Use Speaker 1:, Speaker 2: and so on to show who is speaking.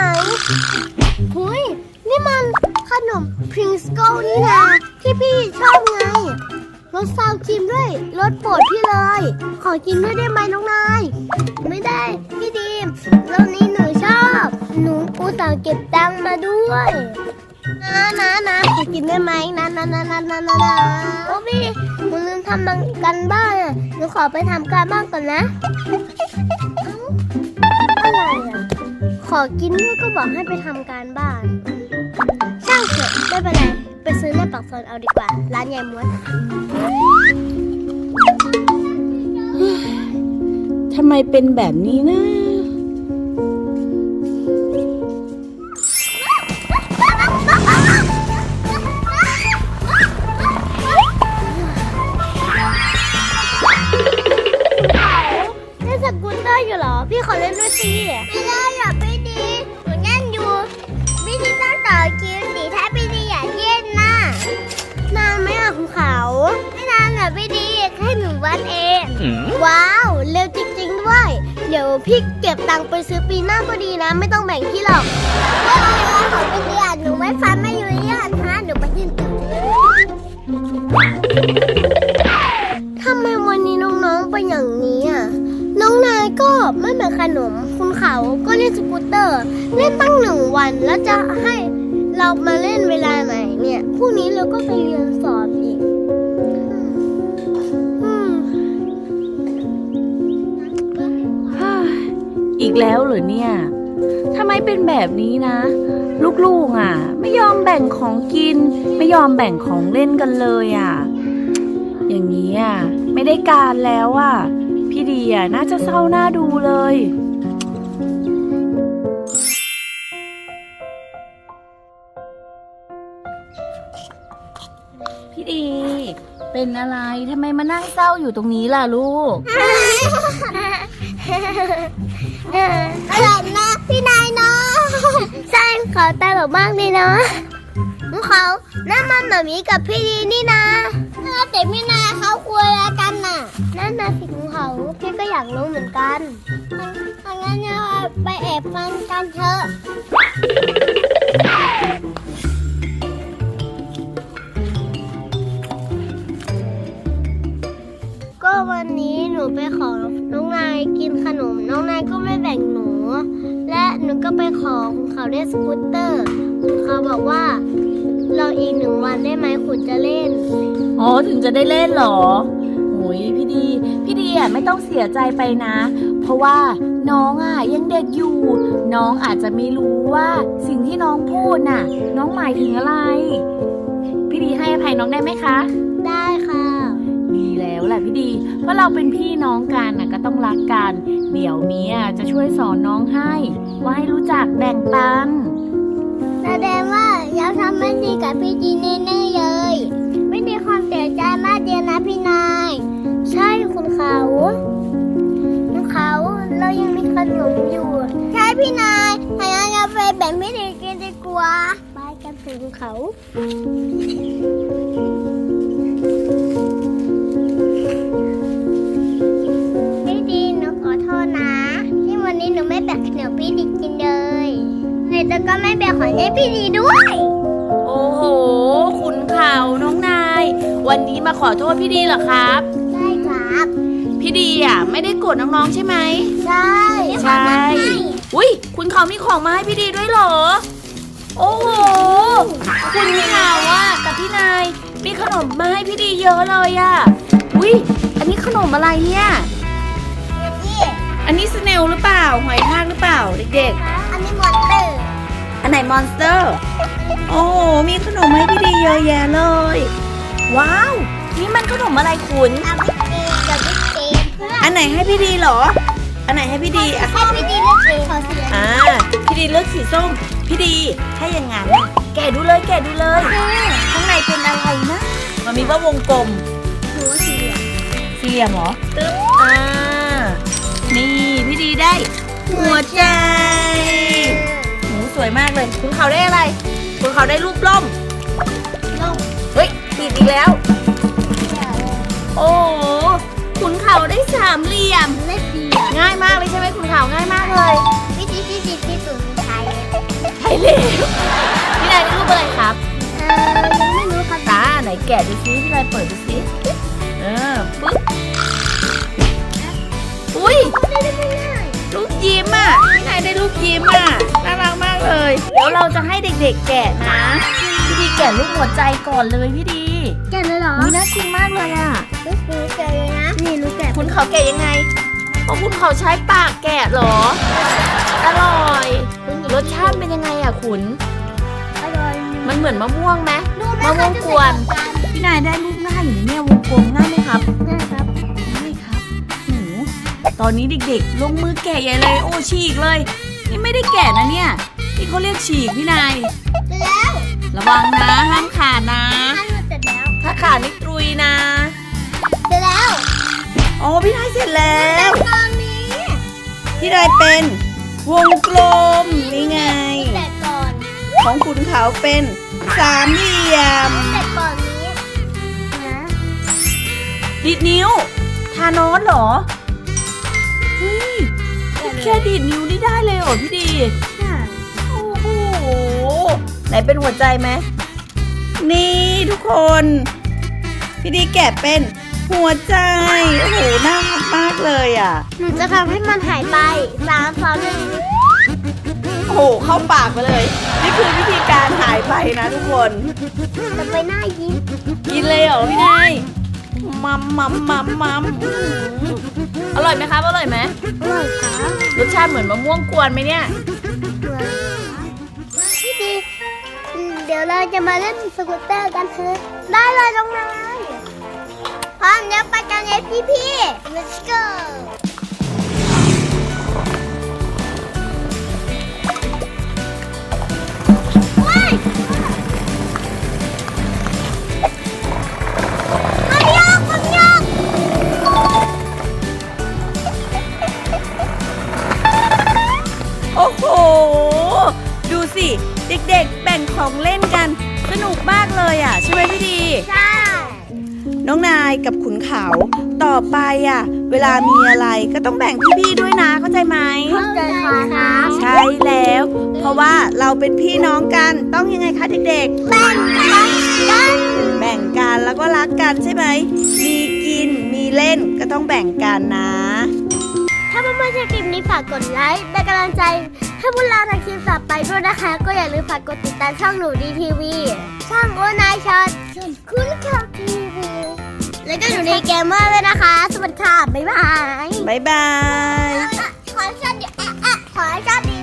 Speaker 1: หุยนี่มันขนมพริงสโกิลนี่นะที่พี่ชอบไงรสซาวครีมด้วยรสโปรดพี่เลยขอกินด้วยได้ไหมน้องนายไม่ได้พี่ดีมรสนี้หนูชอบหนูอุตส่าห์เก็บตังค์มาด้วยนะขอกินได้ไหมนะโอ้พี่หนูลืมทำกันบ้านอ่ะหนูขอไปทำการบ้านก่อนนะอะไรอ่ะขอกินด้วยก็บอกให้ไปทำการบ้านช่างเถอะไม่เป็นไรไปซื้อในปากซอยเอาดีกว่าร้านยายม้วน
Speaker 2: ทำไมเป็นแบบนี้นะ
Speaker 1: เล่นสกูตเตอร์อยู่เหรอพี่ขอเล่นด้วยสิไม่ได้อยากพี่ดีหนูเล่นอยู่พี่ดีต้องต่อคิวสิถ้าพี่ดีอยากเล่นน่ะนานไหมอ่ะคุณเขาไม่นานหรอกพี่ดีแค่1 วันเองว้าวเร็วจริงๆด้วยเดี๋ยวพี่เก็บตังค์ไปซื้อปีหน้าก็ดีนะไม่ต้องแบ่งพี่หรอกไม่เป็นไรของพี่ดีอ่ะหนูไม่ฟังไม่อยู่เรื่องนะหนูไปยื่นทำไมวันนี้น้องๆเป็นอย่างนี้อ่ะน้องนายก็ไม่เหมือนขนมคุณเขาก็เล่นสกูตเตอร์เล่นตั้ง1 วันแล้วจะให้เรามาเล่นเวลาไหนเนี่ยพรุ่งนี้เราก็ไปเรียนสอบอีก
Speaker 2: อีกแล้วเหรอเนี่ยทำไมเป็นแบบนี้นะลูกๆอ่ะไม่ยอมแบ่งของกินไม่ยอมแบ่งของเล่นกันเลยอ่ะอย่างนี้อ่ะไม่ได้การแล้วอ่ะพี่ดีอ่ะน่าจะเศร้าหน้าดูเลยพี่ดีเป็นอะไรทำไมมานั่งเศร้าอยู่ตรงนี้ล่ะลูก
Speaker 1: ตลกนะพี่นายเนาะใช่เขาตลกมากเลยเนาะเขานั่นมันหมามีกับพี่ดีนี่นะแต่พี่นายเขาคุยอะไรกันน่ะนั่นนะสิของเขาพี่ก็อยากรู้เหมือนกันงั้นเราไปแอบฟังกันเถอะก็วันนี้หนูไปขอน้องนายกินขนมน้องนายก็ไม่แบ่งหนูและหนูก็ไปขอคุณเขาเล่นสกูตเตอร์คุณเขาบอกว่าเราอีก1 วันได้ไหมคุณจะเล่น
Speaker 2: อ๋อถึงจะได้เล่นเหรอโอ้ยพี่ดีอ่ะไม่ต้องเสียใจไปนะเพราะว่าน้องอ่ะยังเด็กอยู่น้องอาจจะไม่รู้ว่าสิ่งที่น้องพูดน่ะน้องหมายถึงอะไรพี่ดีให้อภัยน้องได้ไหมคะ
Speaker 1: ได้ค่ะ
Speaker 2: ดีแล้วแหละพี่ดีเพราะเราเป็นพี่น้องกันน่ะก็ต้องรักกันเดี๋ยวเมียจะช่วยสอนน้องให้ว่าให้รู้จักแบ่งปัน
Speaker 1: แสดงว่าเราทำไม่ดีกับพี่ดีแน่ๆเลยไม่มีความเสียใจมากเดียวนะพี่นายใช่คุณเขาเรายังมีขนมอยู่ใช่พี่นายถ้างั้นเราไปแบ่งพี่ดีกินดีกว่าไปกันถึงเขาพี่ดีหนูขอโทษนะที่วันนี้หนูไม่แบ่งขนมพี่ดีกินเลยแต่ก็ไม่แบ่งของให้พี่ดีด้วย
Speaker 2: โอ้โหขุนเขาน้องนายวันนี้มาขอโทษพี่ดีเหรอครับ
Speaker 1: ใช่ครับ
Speaker 2: พี่ดีอ่ะไม่ได้โกรธน้องๆใช่ไหม
Speaker 1: ใช่
Speaker 2: อุ้ยคุณเขามีของมาให้พี่ดีด้วยเหรอโอ้โหคุณเขาอ่ะกับพี่นายมีขนมมาให้พี่ดีเยอะเลยอ่ะอุ้ยอันนี้ขนมอะไรเนี่ยอันนี้สเนลหรือเปล่าหอยทากหรือเปล่าเด็ก
Speaker 1: ๆอันนี้มอนสเตอร์
Speaker 2: อันไหนมอนสเตอร์โอ้โหมีขนมให้พี่ดีเยอะแยะเลยว้าวนี่มันขนมอะไรคุณอันไหนให้พี่ดีเหรออันไหนให้พี่ดี
Speaker 1: อ่ะให้พี่ดีเลือกสี
Speaker 2: พี่ดีเลือกสีส้มพี่ดีถ้าอย่างงั้นแกะดูเลยข้างในเป็นอะไรนะมันมีว่าวงกลม
Speaker 1: หรือว่าสี่
Speaker 2: เหลี่ยมเหรอตึ๊บนี่พี่ดีได้หัวใจหนูสวยมากเลยคุณเขาได้อะไรคุณเขาได้รูปล่มเฮ้ยผิดอีกแล้วโอ้คุณเขาได้3 เหลี่ยมง่ายมากเลยใช่ไหมคุณเขาง่ายมากเลย
Speaker 1: พี่สุดท้าย
Speaker 2: แล้วพี่นายได้รูปอะไรครับ
Speaker 1: ยังไม่รู้ครับ
Speaker 2: ตาไหนแกะดูซิพี่นายเปิดดูซิปึ๊บอุ้ย
Speaker 1: ไม่ได้ไม่ได้
Speaker 2: ลูกยิ้มอ่ะพี่นายได้ลูกยิ้มอ่ะน่ารักมากเลยเดี๋ยวเราจะให้เด็กๆแกะนะพี่ดีแกะรูปหัวใจก่อนเลยพี่ดี
Speaker 1: แกะเลยเหรอ
Speaker 2: อุ๊ยน่ากินมากเลยอ่ะ
Speaker 1: หนูแกะเลยนะนี่หนูแกะ
Speaker 2: คุณเขาแกะยังไงเพราะคุณเขาใช้ปากแกะเหรออร่อยรสชาติเป็นยังไงอ่ะคุณ
Speaker 1: อร่อย
Speaker 2: มันเหมือนมะม่วงไหม
Speaker 1: ดูไห
Speaker 2: มะม่วงกวน พี่นายได้รูปหน้าอยู่ในเนี่ยวงกลมหน้าไหมครับ
Speaker 1: นะครับ
Speaker 2: ได้ครับหนูตอนนี้เด็กๆลงมือแกะใหญ่เลยโอ้ฉีกเลยนี่ไม่ได้แกะนะเนี่ยที่เขาเรียกฉีกพี่นาย
Speaker 1: เสร็จแล้ว
Speaker 2: ระวังนะห้ามขาดนะ
Speaker 1: ท่านเสร็จแล้ว
Speaker 2: ถ้าขาดนี่ตรุยนะ
Speaker 1: เสร็จแล้ว
Speaker 2: อ๋อพี่นายเสร็จแล้ว
Speaker 1: ตอนนี้
Speaker 2: พี่นายเป็นวงกลมนี่ไง
Speaker 1: แกะก่อน
Speaker 2: ของคุณเขาเป็นสามเหลี่ยม
Speaker 1: แกะก่อนนี้นะ
Speaker 2: ดีดนิ้วทานอสเหรอเฮ้ยแค่ดีดนิ้วนี่ได้เลยเหรอพี่ดี โอ้โห ไหนเป็นหัวใจไหม นี่ทุกคน พี่ดีแกะเป็นหัวใจ โอ้โห น่ารักมากเลยอ่ะ
Speaker 1: หนูจะทำให้มันหายไป3 2 1
Speaker 2: โอ้โห เข้าปากไปเลย นี่คือวิธีการหายไปนะทุกคน
Speaker 1: จะไปหน้ายิ้ม
Speaker 2: กินเลยเหรอพี่นายมัมมัมมัมมัมอื้อหืออร่อยไหมครับ อร่อยไหม
Speaker 1: อร่อยค่ะ
Speaker 2: รสชาติเหมือนมะม่วงกวนไหมเนี่ย
Speaker 1: พี่ดีเดี๋ยวเราจะมาเล่นสกูตเตอร์กันเถอะได้เลยน้องนายพร้อมแล้วไปกันเลยพี่ๆ let's go ว้ายมันยาก
Speaker 2: โอ้โห ดูสิ เด็กๆ แบ่งของเล่นกัน สนุกมากเลยอ่ะ ใช่ไหมพี่ดี
Speaker 1: ใช่
Speaker 2: น้องนายกับขุนเขา ต่อไปอ่ะ เวลามีอะไรก็ต้องแบ่งพี่ๆด้วยนะ เข้าใจไหม
Speaker 1: เข้าใจครับ
Speaker 2: ใช่แล้ว เพราะว่าเราเป็นพี่น้องกัน ต้องยังไงคะเด็ก
Speaker 1: แบ่งกัน
Speaker 2: ๆ แบ่งกันแล้วก็รักกันใช่ไหม มีกิน มีเล่นก็ต้องแบ่งกันนะ
Speaker 1: ถ้าเพื่อนๆชอบคลิปนี้ฝากกดไลค์เป็นกำลังใจให้พวกเราทำคลิปต่อไปด้วยนะคะ ก็อย่าลืมฝากกดติดตามช่องหนูดีทีวีช่องโอนายช็อตคุณข่าวทีวีแล้วก็หนูดีเกมเมอร์เลยนะคะ สวัสดีค่ะ บ๊ายบาย
Speaker 2: บ๊ายบาย
Speaker 1: ขอให้โชคดีขอให้โชคดี